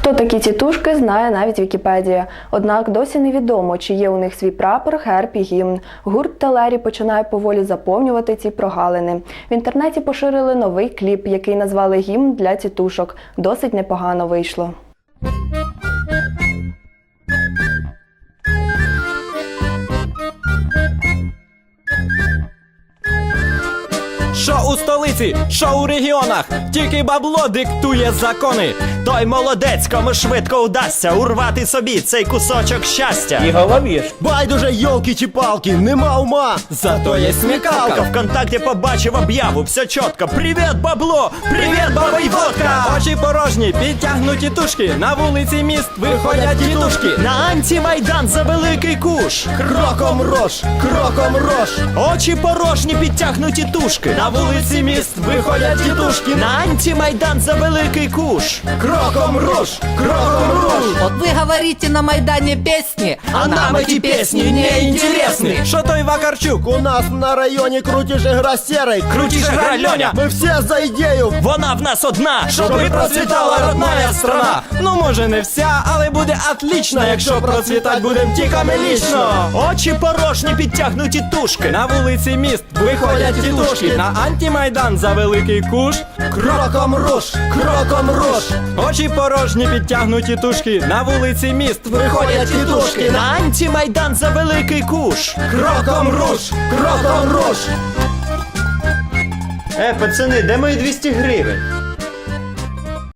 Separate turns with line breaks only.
Хто такі тітушки, знає навіть Вікіпедія. Однак досі невідомо, чи є у них свій прапор, герб і гімн. Гурт Телері починає поволі заповнювати ці прогалини. В інтернеті поширили новий кліп, який назвали «Гімн для тітушок». Досить непогано вийшло.
Що у столиці, що у регіонах, тільки бабло диктує закони. Той молодець, кому швидко вдасться урвати собі цей кусочок щастя.
І голові ж.
Байдуже, йолки чи палки, нема ума.
Зато є смікалка. Вконтакті побачив об'яву, все чітко. Привіт, бабло! Привіт, баба й водка! Очі порожні, підтягнуті тушки. На вулиці міст виходять тітушки. На антимайдан за великий куш.
Кроком рож, кроком рож.
Очі порожні, підтягнуті тушки. На вулиці міст виходять тітушки. На антимайдан за великий куш.
Кроком рож, кроком рож.
Вот вы говорите на Майдане песни,
А нам эти песни не интересны. Что той Вакарчук?
У нас на районі крутіше гра серий.
Крутіше гра Льоня.
Ми всі за ідею.
Вона в нас одна, щоби процвітала родная страна. Ну може не вся, але буде отлично, якщо процвітать будем тільки ми лічно. Очі порожні, підтягнуті тушки. На вулиці міст виходять тітушки. На антимайдан за великий куш.
Кроком рож, кроком рож.
Очі порожні, підтягнуті тушки. На вулиці міст виходять тітушки. На антимайдан за великий куш.
Кроком рож, кроком рож.
Пацани, де мої 200 гривень?